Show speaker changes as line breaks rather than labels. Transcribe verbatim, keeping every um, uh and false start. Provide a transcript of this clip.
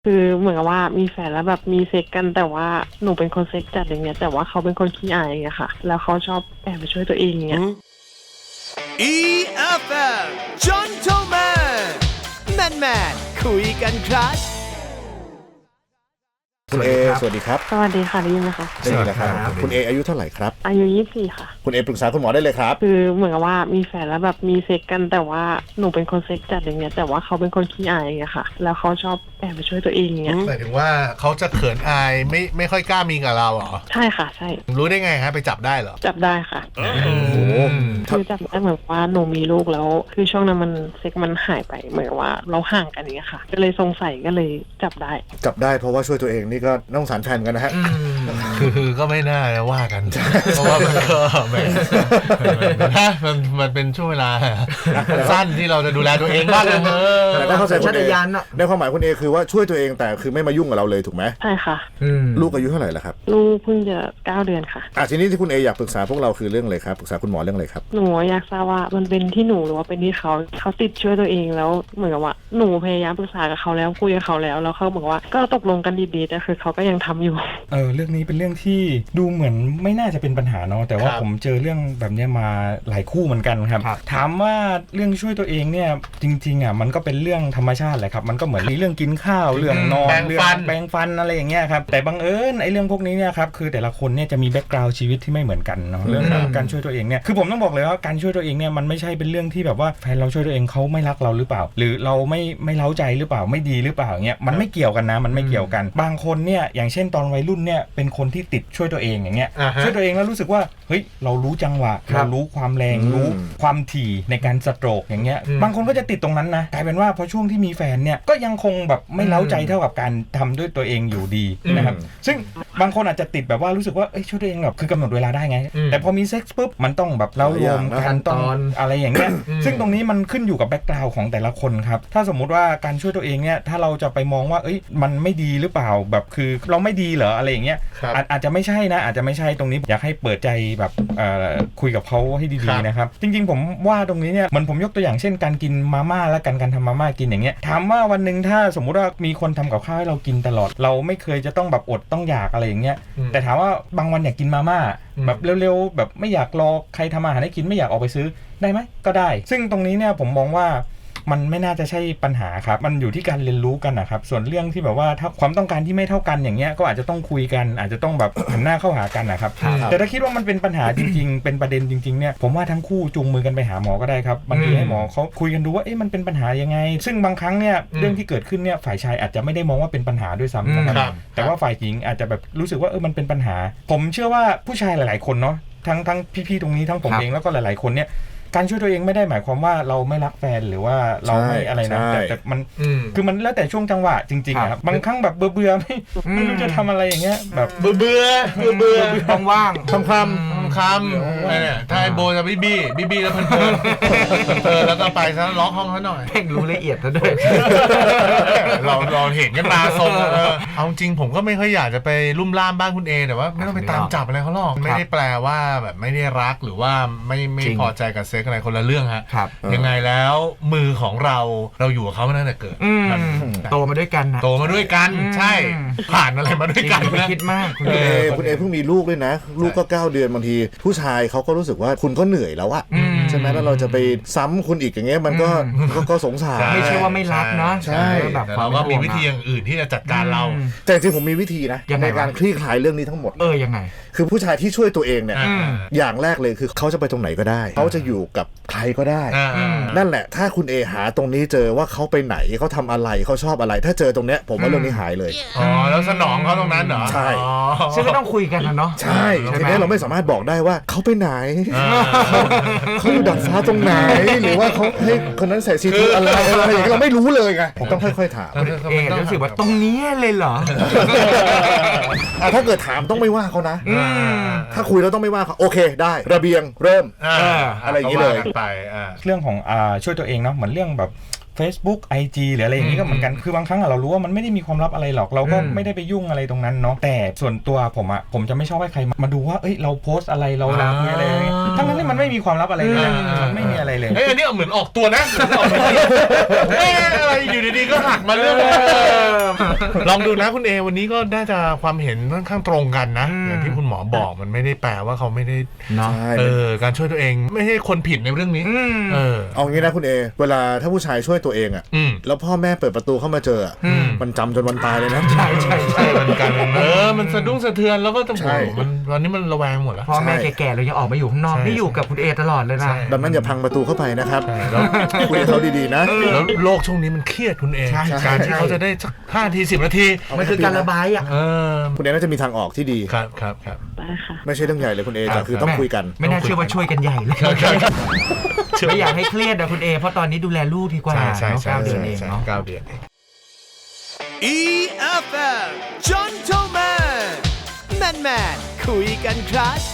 คือเหมือนกับว่ามีแฟนแล้วแบบมีเซ็กกันแต่ว่าหนูเป็นคนเซ็กจัดอย่างเงี้ยแต่ว่าเขาเป็นคนขี้อายอย่างเงี้ยค่ะแล้วเขาชอบแอบไปช่วยตัวเองอย่างเงี้ย
อี เอฟ เอ็ม Gentleman Man Man คุยกันครับ
คุณเอสวัสดีครับ
สวัสดีค่ะได้ยินไหมคะ
ได้ยินแล้วครับคุณเออายุเท่าไหร่ครับ
อายุยี่สิบสี่ค่ะ
คุณเอปรึกษาคุณหมอได้เลยครับ
คือเหมือนกับว่ามีแฟนแล้วแบบมีเซ็กกันแต่ว่าหนูเป็นคนเซ็กจัดอย่างเงี้ยแต่ว่าเขาเป็นคนขี้อายอย่างเงี้ยค่ะแล้วเขาชอบแอบไปช่วยตัวเองอย่างเงี้ย
หมายถึงว่าเขาจะเขินอายไม่ไม่ค่อยกล้ามีกับเราเหรอ
ใช่ค่ะใช่
รู้ได้ไงฮะไปจับได้เหรอ
จับได้ค่ะ
โอ้โห
คือจับได้เหมือนว่าหนูมีลูกแล้วคือช่วงนั้นมันเซ็กมันหายไปเหมือนว่าเราห่างกันอย่างเงี้ยค่ะก็เลยสงสัยก็เลยจับได้
จับได้เพราะว่าช่วยตัวเองนี่ก็น่าสงสารแฟนกันนะฮะ
คือก็ไม่น่าจะว่ากันเพราะว่ามันก็แบบมันมันเป็นช่วงเวลาสั้นที่เราจะดูแลตัวเองบ้าง
แต่ถ้าเข้าใจคุณเอในความหมายคุณเอคือว่าช่วยตัวเองแต่คือไม่มายุ่งกับเราเลยถูกไหม
ใช่ค่ะ
ลูกอายุเท่าไหร่แล้วครับ
ลูกเพิ่งจะเก้าเดือนค่ะ
อ่ะทีนี้ที่คุณเออยากปรึกษาพวกเราคือเรื่องอะไรครับปรึกษาคุณหมอเรื่องอะไรครับ
หนูอยากทราบว่ามันเป็นที่หนูหรือว่าเป็นที่เขาเขาติดช่วยตัวเองแล้วเหมือนกับว่าหนูพยายามปรึกษากับเขาแล้วคุยกับเขาแล้วแล้วเขาบอกว่าก็ตกลงกันดีๆแต่คือเขาก็ยังทำอยู่
เออเรื่องนี้เป็นเรื่องที่ดูเหมือนไม่น่าจะเป็นปัญหาเนาะแต่ว่าผมเจอเรื่องแบบนี้มาหลายคู่เหมือนกันครับถามว่าเรื่องช่วยตัวเองเนี่ยจริงๆอ่ะมันก็เป็นเรื่องธรรมชาติแหละครับมันก็เหมือนเรื่องกินข้าวเรื่องนอนเรื่องแปรงฟันอะไรอย่างเงี้ยครับแต่บังเอิญไอ้เรื่องพวกนี้เนี่ยครับคือแต่ละคนเนี่ยจะมีแบ็คกราวด์ชีวิตที่ไม่เหมือนกันเนาะเรื่องการช่วยตัวเองเนี่ยคือผมต้องบอกเลยว่าการช่วยตัวเองเนี่ยมันไม่ใช่เป็นเรื่องที่แบบว่าแฟนเราช่วยตัวเองเขาไม่รักเราหรือเปล่าหรือเราไม่ไม่เล้าใจหรือเปล่าไม่ดีหรือเปล่าเงี้ยมันไม่เกี่ยวกันนะมันไม่เกี่ยวกันบางคนเนี่ยอย่างเช่นตอนวัยรุ่นเนี่ยเป็นคนที่ติดช่วยตัวเองอย่างเงี้ยช่วยตัวเองแล้วรู้สึกว่าเฮ้ยเรารู้จังหวะเรารู้ความแรงรู้ความถี่ในการสโตรกอย่างเงี้ยบางคนก็จะติดตรงนั้นนะกลายเป็นว่าพอช่วงที่มีแฟนเนี่ยก็ยังคงแบบไม่เล้าใจเท่ากับการทำด้วยตัวเองอยู่ดีนะครับซึ่งบางคนอาจจะติดแบบว่ารู้สึกว่าเอ้ยช่วยตัวเองแบบคือกำหนดเวลาได้ไงแต่พอมีเซ็กซ์ปุ๊บมันต้องแบบเล้ารวมกันต้องอะไรอย่างเงี้ยซึ่งตรงนี้มันขึ้นอยู่กับแบ็คกราวด์ของแต่ละคนครับถ้าสมมุติว่าการช่วยตัวเองเนี่ยถ้าเราจะไปมองว่าเอ้ยมันไม่ดีหรือเปล่าแบบคือเราไม่ดีเหรออะไรอย่างเงี้ยอาจจะไม่ใช่นะอาจจะไม่ใช่ตรงนี้อยากให้เปิดใจแบบคุยกับเขาให้ดีๆนะครับจริงๆผมว่าตรงนี้เนี่ยมันผมยกตัวอย่างเช่นการกินมาม่าและการการทำมาม่ากินอย่างเงี้ยถามว่าวันนึงถ้าสมมุติว่ามีคนทำกับข้าวให้เรากินตลอดเราไม่เคยจะต้องแบบอดต้องอยากอะไรอย่างเงี้ยแต่ถามว่าบางวันอยากกินมาม่าแบบเร็วๆแบบไม่อยากรอใครทำอาหารให้กินไม่อยากออกไปซื้อได้ไหมก็ได้ซึ่งตรงนี้เนี่ยผมมองว่ามันไม่น่าจะใช่ปัญหาครับมันอยู่ที่การเรียนรู้กันนะครับส่วนเรื่องที่แบบว่าถ้าความต้องการที่ไม่เท่ากันอย่างเงี้ยก็อาจจะต้องคุยกันอาจจะต้องแบบหันหน้าเข้าหากันนะครับแต่ถ้าคิดว่ามันเป็นปัญหาจริงๆเป็นประเด็นจริงๆเนี่ยผมว่าทั้งคู่จูงมือกันไปหาหมอก็ได้ครับบางทีให้หมอเขาคุยกันดูว่าเอ๊ะมันเป็นปัญหายังไงซึ่งบางครั้งเนี่ยเรื่องที่เกิดขึ้นเนี่ยฝ่ายชายอาจจะไม่ได้มองว่าเป็นปัญหาด้วยซ้ำนะครับแต่ว่าฝ่ายหญิงอาจจะแบบรู้สึกว่าเออมันเป็นปัญหาผมเชื่อว่าผู้ชายหลายๆคนเนาะทั้งทั้งพี่ๆตรงนี้ทั้งผมเองแล้วก็หลายๆคนเนี่ยการช่วยตัวเองไม่ได้หมายความว่าเราไม่รักแฟนหรือว่าเราไม่อะไรนะแต่แต่มันคือมันแล้วแต่ช่วงจังหวะจริงๆครับบางครั้งแบบเบื่อๆไม่ไม่รู้จะทำอะไรอย่างเงี้ยแบบ
เบื่อเบื่อเบื่อ
ว่าง
ๆคำคำ
คำอะไรเนี่ยถ้าโบจะบี้บี้บี้บี้แล้วเพลินเออแล้วก็ไปซะล็อกห้องเขาหน่อย
เพ่งรู้ละเอียดซะด้วย
เราเราเห็นกันมาทรงเออเอาจริงผมก็ไม่ค่อยอยากจะไปลุ่มล่ามบ้านคุณเอแต่ว่าไม่ต้องไปตามจับอะไรเขาหรอกไม่ได้แปลว่าแบบไม่ได้รักหรือว่าไม่ไม่พอใจกับเซ็กอะไรคนละเรื่องฮะยังไงแล้วมือของเราเราอยู่กับเขามาตั้งแต่เกิด
โตมาด้วยกันนะ
โตมาด้วยกันใช่ผ่านอะไรมาด้วยกัน
ไม่คิดมาก
คุณเอคุณเอเพิ่งมีลูกด้วยนะลูกก็เก้าเดือนบางทีผู้ชายเขาก็รู้สึกว่าคุณก็เหนื่อยแล้วอะใช่ไหมแล้วเราจะไปซ้ำคุณอีกอย่างเงี้ยมันก็ก็สงสาร
ไม่ใช่ว่าไม่รักนะ
ใช่
แบบเราก็มีวิธีอย่างอื่นที่จะจัดการเรา
แต่จริงผมมีวิธีนะในการคลี่คลายเรื่องนี้ทั้งหมด
เออยังไง
คือผู้ชายที่ช่วยตัวเองเนี่ยอย่างแรกเลยคือเขาจะไปตรงไหนก็ได้เขาจะอยู่กับใครก็ได้นั่นแหละถ้าคุณเอหาตรงนี้เจอว่าเขาไปไหนเขาทำอะไรเขาชอบอะไรถ้าเจอตรงเนี้ยผมว่าเรื่องนี้หายเลย
อ๋อแล้วสนองเขาตรงนั้นเหรอ
ใช่
ซึ่งก็ต้องคุยกันนะเนาะ
ใช่ทีนี้เราไม่สามารถบอกได้ว่าเขาไปไหนเขาอยู่ดัดฟ้าตรงไหนหรือว่าเขาให้คนนั้นใส่ซีทูอะไรอะไรอย่างเงี้ยเราไม่รู้เลยไงผมต้องค่อยๆถาม
เองรู้สึกว่าตรงนี้เลยเหรอ
ถ้าเกิดถามต้องไม่ว่าเขานะถ้าคุยแล้วต้องไม่ว่าเขาโอเคได้ระเบียงเริ่มอะไรอย่างนี้เลย
ไป
เรื่องของช่วยตัวเองเนาะเหมือนเรื่องแบบ Facebook ไอ จี หรืออะไรอย่างนี้ก็เหมือนกันคือบางครั้งอะเรารู้ว่ามันไม่ได้มีความลับอะไรหรอกเราก็ไม่ได้ไปยุ่งอะไรตรงนั้นเนาะแต่ส่วนตัวผมอะผมจะไม่ชอบให้ใครมาดูว่าเอ้ยเราโพสต์อะไรเราลาอะไรทั้งนั้นที่มันไม่มีความลับอะไรเลยมันไม่มีอะไรเลย
เฮ้ยอันนี้เหมือนออกตัวนะเฮ้ยอะไรอยู่ดีๆก็หักมาเรื่องลองดูนะคุณเอวันนี้ก็น่าจะความเห็นค่อนข้างตรงกันนะอย่างที่คุณหมอบอกมันไม่ได้แปลว่าเขาไม่ได้เออการช่วยตัวเองไม่ใช่คนผิดในเรื่องนี้เออ
เอางี้นะคุณเอเวลาถ้าผู้ชายช่วยตัวเองอ่ะแล้วพ่อแม่เปิดประตูเข้ามาเจอมันจำจนวันตายเลยนะ
ใช่ใช่ใช่มันกันเออมันสะดุ้งสะเทือนแล้วก็ต้องโอ้มันตอนนี้มันระแวงหมดแล้ว
พ่อแม่แก่ๆเรายังออกมาอยู่ข้างนอกนี่อยู่กับคุณเอตลอดเลยนะ
ดังนั้นอย่าพังประตูเข้าไปนะครับคุยกับเขาดีๆนะ
แล้วโลกช่วงนี้มันเครียดคุณเอการที่เขาจะได้สักห้าทีสิบนาที
มันคือการระบายอ่ะ
คุณเอน่าจะมีทางออกที่ดี
ครับครับครับ
ไม่ใช่เรื่องใหญ่เลยคุณเอแต่คือต้องคุยกัน
ไม่น่าเชื่อว่าช่วยกันใหญ่เลยไม่อยากให้เครียดนะคุณเอเพราะตอนนี้ดูแลลูกดีกว่า
ใช่
เก้าเดือนเองเนาะ
เก้าเดือน
อี เอฟ เอ็ม Gentleman Man Man คุยกันครับ